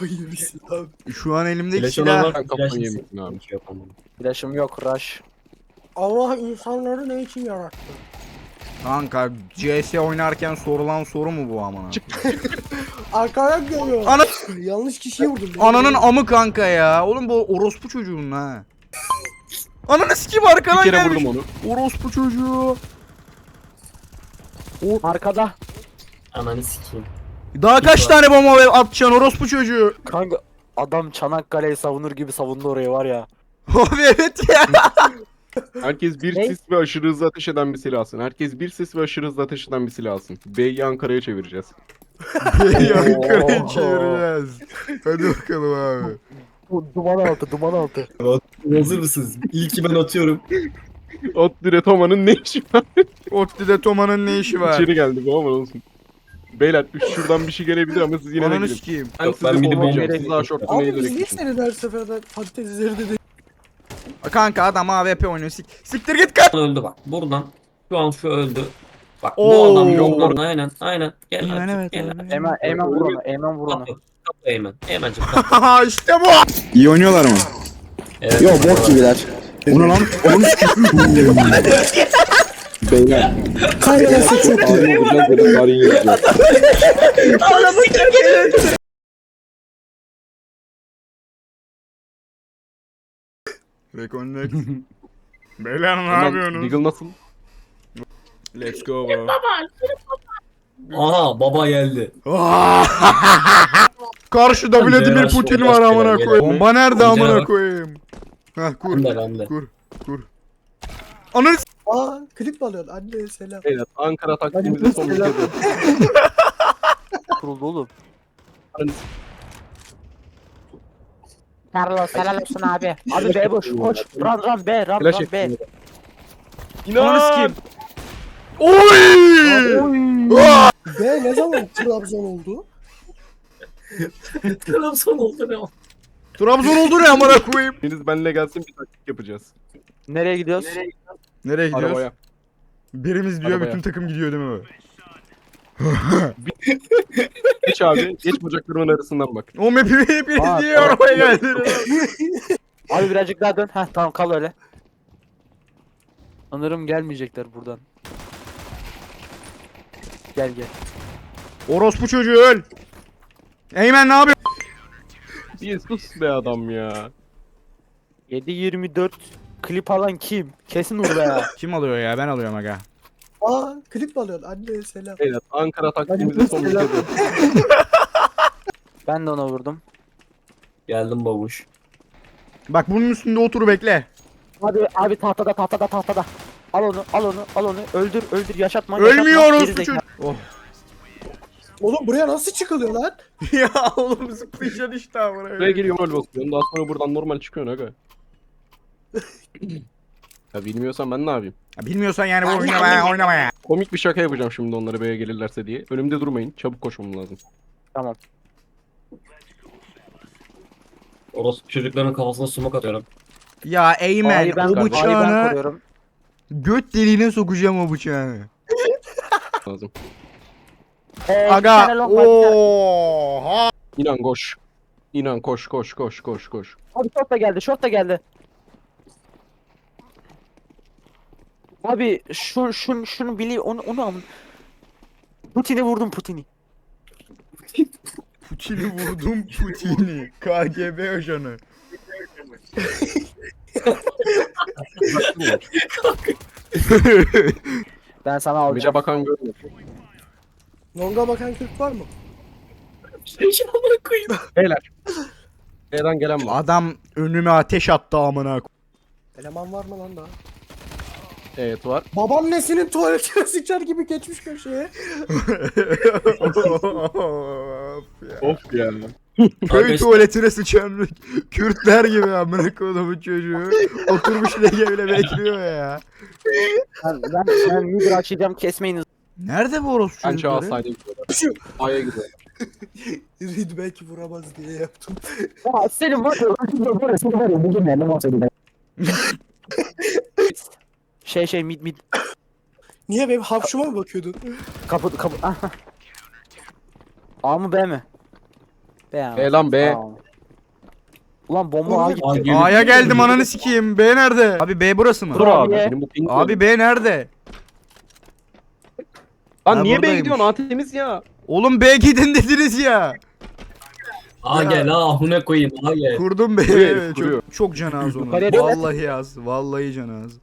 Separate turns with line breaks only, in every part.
Yemişsin abi.
Şu an elimdeki
Flash
silah.
olan
Sen kafayı
flash
yemişsin abi.
yapamam.
Flash'ım yok rush.
Allah insanları ne için yarattı?
Kanka CS oynarken sorulan soru mu bu amına?
Arkadan geliyor.
Ana
Yanlış kişiyi vurdum.
ananın amı kanka ya. Oğlum bu orospu çocuğun ha. Ananı sikeyim arkadan
Bir kere
gelmiş.
vurdum onu.
Orospu çocuğu.
Arkada.
Ananı sikeyim.
Daha kaç tane bomba atacaksın orospu çocuğu?
Kanka adam Çanakkale'yi savunur gibi savundu orayı var ya.
Abi evet ya.
Herkes bir
Ne?
sis ve aşırı hızlı ateş eden bir silah alsın. Herkes bir sis ve aşırı hızlı ateş eden bir silah alsın. B'yi Ankara'ya çevireceğiz.
Ankara'yı çevireceğiz. Hadi bakalım abi.
Duman altı duman altı.
Hazır mısınız? İlki ben atıyorum.
Ottire Toma'nın ne işi var?
Otti'de Toma'nın ne işi var?
İçeri geldi bu ama olsun. Beyler şuradan bir şey gelebilir ama siz yine de
Ananı
gidin.
sikeyim.
Ben
Yok,
sizi
ben bir de
kovmayacağım.
bomba
Siz daha şortunu
Abi biz
eğilerek
niye
gidin.
seni her seferde patates üzerinde değil?
Kanka adam AWP oynuyor. Siktir git kaç.
Öldü bak. Buradan. Şu an şu öldü. Bak
Oo.
bu adam yok orada. Aynen. Aynen. Gel
Aynen,
artık.
evet,
Gel
evet.
artık.
Eymen vur onu. Eymen vur onu.
Kapı. Kapı Eymen. Eymen'cim kapı.
işte bu.
İyi oynuyorlar mı?
Evet.
Yo bok gibiler. O ne lan? Onun Beyler.
Kaynanası çok iyi.
Ağzına vuracağız böyle tarihin yazacağız.
Reconnect. Beyler ne
Hemen
yapıyorsunuz?
Deagle nasıl?
Let's go bro.
Aha baba geldi.
Karşıda Vladimir
Yavaş,
Putin
yavaş,
var amına
yavaş,
koyayım.
yavaş.
Bomba nerede
Yavaş.
amına koyayım? Heh kur.
Ben de ben de.
Kur. Ananı s-
Aa klip mi alıyorsun? Anne selam.
Beyler Ankara taktiğimizi son bir kez yapın.
Kuruldu oğlum.
Carlos helal olsun abi.
Abi B boş koş. Run B run
Flash
run B.
ettim.
Ananı
İnan!
sikeyim. Oy!
B ne zaman Trabzon oldu?
Trabzon oldu ne o?
Trabzon oldu ne amına koyayım?
Biriniz benimle gelsin bir taktik yapacağız.
Nereye gidiyoruz?
Nereye gidiyoruz?
Arabaya.
Birimiz diyor
Arabaya.
bütün takım gidiyor değil mi?
Geç abi. Geç bacaklarımın arasından bak.
O map'i hepiniz
Aa,
niye
tamam.
arabaya geldiniz?
Abi birazcık daha dön. Heh tamam kal öyle. Sanırım gelmeyecekler buradan. Gel gel.
Orospu çocuğu öl. Eymen ne yapıyor?
Bir sus be adam ya.
7-24 klip alan kim? Kesin Urbe ya.
Kim alıyor ya? Ben alıyorum aga.
Aa klip mi alıyorsun? Anne selam.
Beyler Ankara taktiğimizi son bir kez yapın.
Ben de ona vurdum.
Geldim babuş.
Bak bunun üstünde otur bekle.
Abi tahtada. Al onu. Öldür yaşatma.
Ölmüyor
yaşatma.
orospu
Geri
çocuğu.
zekalı.
Oh.
Oğlum buraya nasıl çıkılıyor lan?
Ya oğlum zıplayacaksın işte amına
Buraya
koyayım.
geliyorum rol basıyorum. Daha sonra buradan normal çıkıyorsun aga. Ya bilmiyorsan ben ne yapayım?
Ya bilmiyorsan yani bu oynama ya.
Komik bir şaka yapacağım şimdi onlara B'ye gelirlerse diye. Önümde durmayın. Çabuk koşmam lazım.
Tamam.
Orospu çocukların kafasına sumak atıyorum.
Ya Eymen
A'yı ben,
o
A'yı ben
bıçağını
koruyorum.
göt deliğine sokacağım o bıçağı.
Lazım.
Bir tane
Aga
long var, bir tane-
oha.
İnan koş. İnan koş.
Abi short da geldi. Abi şunu bili onu alın. Putin'i vurdum Putin'i.
Putin'i vurdum Putin'i. KGB ajanı.
Ben sana alacağım.
Bize bakan görmüyor.
Longa bakan Türk var mı?
Beyler. B'den gelen var.
Adam önüme ateş attı amına.
Eleman var mı lan daha?
Evet var.
Babaannesinin tuvaletine sıçar gibi geçmiş köşeye.
Of ya.
Köy
Arkadaşlar-
tuvaletine sıçan Kürtler gibi amına kodumun çocuğu. Oturmuş böyle bekliyor ya.
Ben mid açacağım kesmeyiniz.
Nerede bu orospu
Bence A
çocukları?
side'e gidiyorlar. A'ya gidiyor.
Reed belki vuramaz diye yaptım.
Ya senin var ya bugün ne olsaydı mid
Niye benim hapşuma mı bakıyordun?
kapı A mı B mi?
B lan B.
Tamam. Ulan bomba A gitti.
Aa, geliyor.
A'ya geldim ananı sikeyim. B nerede? Abi B burası mı?
Dur abi.
Benim bu ping
Abi B nerede?
Lan
Ha,
niye B'ye
buradaymış.
gidiyorsun? A temiz ya.
Oğlum B gidin dediniz ya.
Aa gel ha ne koyayım ha gel.
Kurdum B.
Kuruyor herif, kuruyor.
Çok can az onun.
Yukarıya dön.
Vallahi az. Vallahi can az.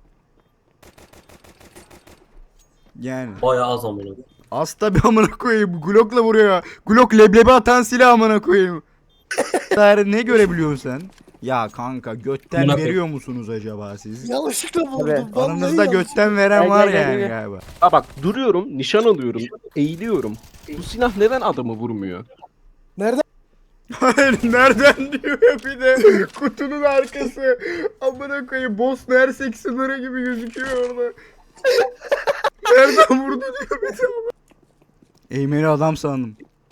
Yani.
Bayağı az amına.
Az tabi amına koyayım. Glock'la vuruyor. Glock leblebi atan silah amına koyayım. Ne görebiliyorsun sen? Ya kanka götten
Amına
veriyor musunuz acaba siz?
Yanlışlıkla vurdum.
Evet.
vallahi
Aranızda
yanlışlıkla.
götten veren
Gel,
var
gel, gel,
yani
gel.
galiba.
Ha bak duruyorum, nişan alıyorum, eğiliyorum. Bu silah neden adamı vurmuyor?
Nereden?
Hayır nereden diyor ya bir de kutunun arkası. Amına koyayım Bosna Hersek sınırı gibi gözüküyor orada. Nereden vurdu diyor bir de. Eğmeni adam sandım.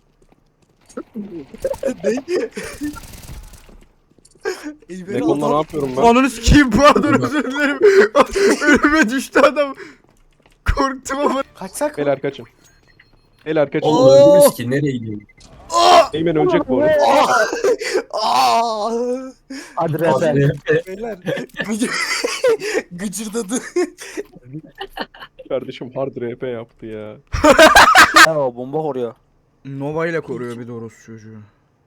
İyi,
Rekonla ne yapıyorum ben?
Ananı sikeyim pardon özür dilerim. Önüme düştü adam. Korktum ama.
Kaçsak mı?
Beyler kaçın. Beyler kaçın.
Oğlum öldünüz ki nereye gidiyorsun?
Eymen ölecek bu arada.
Aa!
Hadi
Abi,
refe.
Beyler gıcırdadı.
Kardeşim hard RP yaptı ya.
Ha, o bomba koruyor.
Nova ile koruyor bir de orospu çocuğu.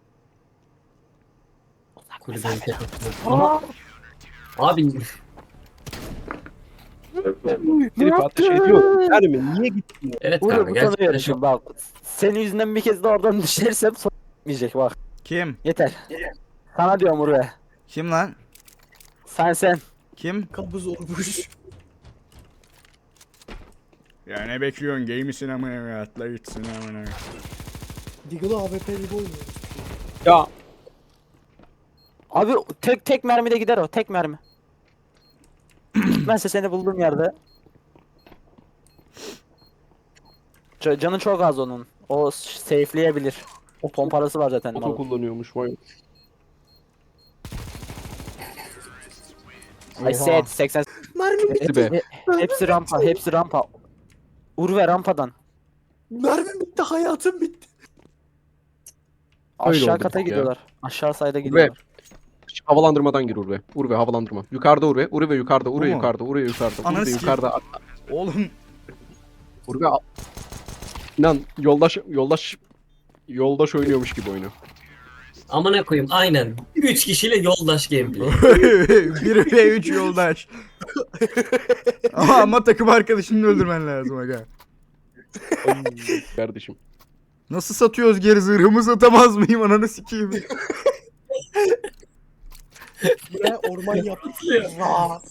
Kulübeyi kapatıyor. Abi
Herif ateş ediyor. Yani mi? Niye gittin?
evet
Uğur
kanka gerçekten
utanıyorum
çok
şimdi bak. Senin yüzünden bir kez de oradan düşersem son gitmeyecek bak.
Kim?
Yeter. Sana diyorum Uğur.
Kim lan?
Sen.
Kim?
Kabız olmuş.
Ya ne bekliyorsun? Gay misin amına ya? Atla gitsin amına.
Deagle'ı AWP gibi oynuyor.
Ya
Abi tek mermide gider o. Tek mermi. Gitmezse seni bulduğum yerde. Canı çok az onun. O safe'leyebilir. O pomparası var zaten.
oto
malın.
kullanıyormuş vay.
I said 80.
Mermi bitti.
be.
Hepsi rampa, hepsi rampa. Urve rampadan.
Mermi bitti. Hayatım bitti.
Öyle
Aşağı
oldu
kata
ya.
gidiyorlar. Aşağı sayda gidiyorlar.
Havalandırmadan gir Urve. Urve havalandırma. Yukarıda Urve. Urve yukarıda. Urve
Bu mu?
yukarıda. Urve yukarıda.
Ananı
Urve
sikeyim.
yukarıda.
Oğlum.
Urve İnan yoldaş oynuyormuş gibi oynuyor.
amına koyayım aynen. 3 kişiyle yoldaş gameplay.
1 ve 3 yoldaş. ama takım arkadaşını öldürmen lazım aga.
Kardeşim.
Nasıl satıyoruz geri zırhımı satamaz mıyım ananı sikeyim.
Buraya orman yaptık. Aa!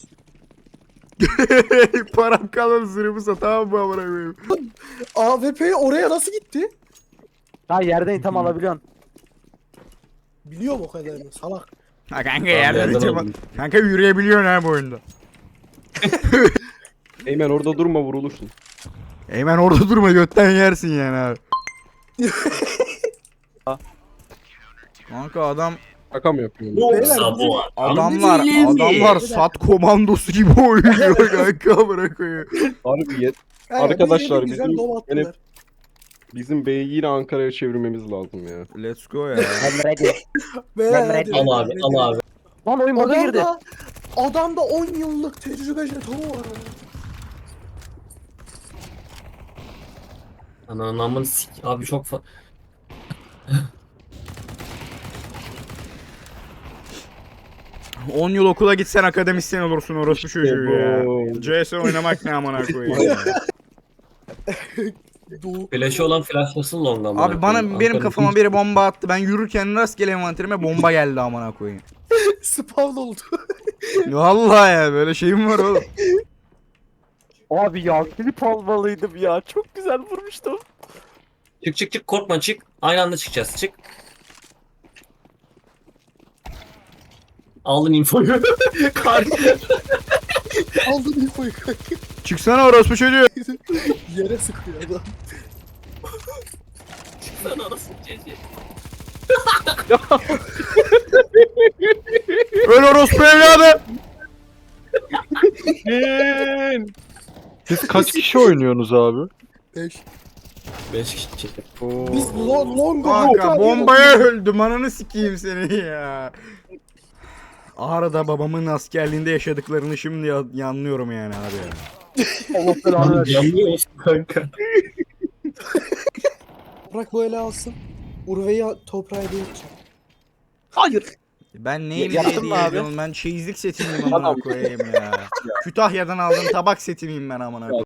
Param kalmadı zırhımı satamam mı amına koyayım.
AWP oraya nasıl gitti?
Ha yerden item alabiliyorsun.
Biliyorum o kadarını. Salak.
Ha kanka
yerden
yerden
aldım.
aldım. Kanka yürüyebiliyorsun ha bu oyunda.
Eymen orada durma vurulursun.
Hemen orada durma götten yersin yani abi. Kanka adam
Şaka mı yapıyorsun?
Yoksa bu
adamlar sat komandosu gibi oynuyor kanka bırakıyor.
Harbi yet.
Yani
Arkadaşlar,
bir yere güzel
bizim
dom attılar.
Bizim B'yi yine Ankara'ya çevirmemiz lazım ya.
Let's go ya.
I'm ready.
Beyler,
Emre-
hadi,
Al abi
hadi,
al
hadi.
abi.
Lan oyun burada girdi.
Adamda 10 yıllık tecrübe jetonu var.
Ananın sik abi çok fa...
Hı. 10 yıl okula gitsen akademisyen olursun orospu çocuğu ya.
bu.
CS oynamak ne amına koyayım ya.
Doğu.
Flash'ı olan flashlasın long amına
Abi
koyayım.
benim kafama biri bomba attı. Ben yürürken rastgele envanterime bomba geldi amına koyayım.
Spawn oldu.
Vallahi ya böyle şeyim var oğlum.
Abi ya klip almalıydım ya. Çok güzel vurmuştum.
Çık korkma çık. Aynı anda çıkacağız çık. Aldın infoyu. Kar.
Aldın infoyu kanka.
Çıksana orospu çocuğu.
Yere sıkıyor adam.
Sen anasını çekeceğim.
Öl orospu evladı.
Siz kaç kişi oynuyorsunuz abi?
5.
5 kişi.
Biz long
Kanka bombaya öldüm ananı sikeyim seni ya. Ağrı'da babamın askerliğinde yaşadıklarını şimdi yanlıyorum yani abi ya.
Allah belanı versin.
Yanlıyor musun kanka?
Toprak böyle alsın. Urve'yi toprağa hediye edeceğim. Hayır.
Ben neyim
Yaptın
diye
mı abi?
ediyorum ben çeyizlik setimiyim amına koyayım ya. Kütahya'dan aldığım tabak setimiyim ben amına koyayım.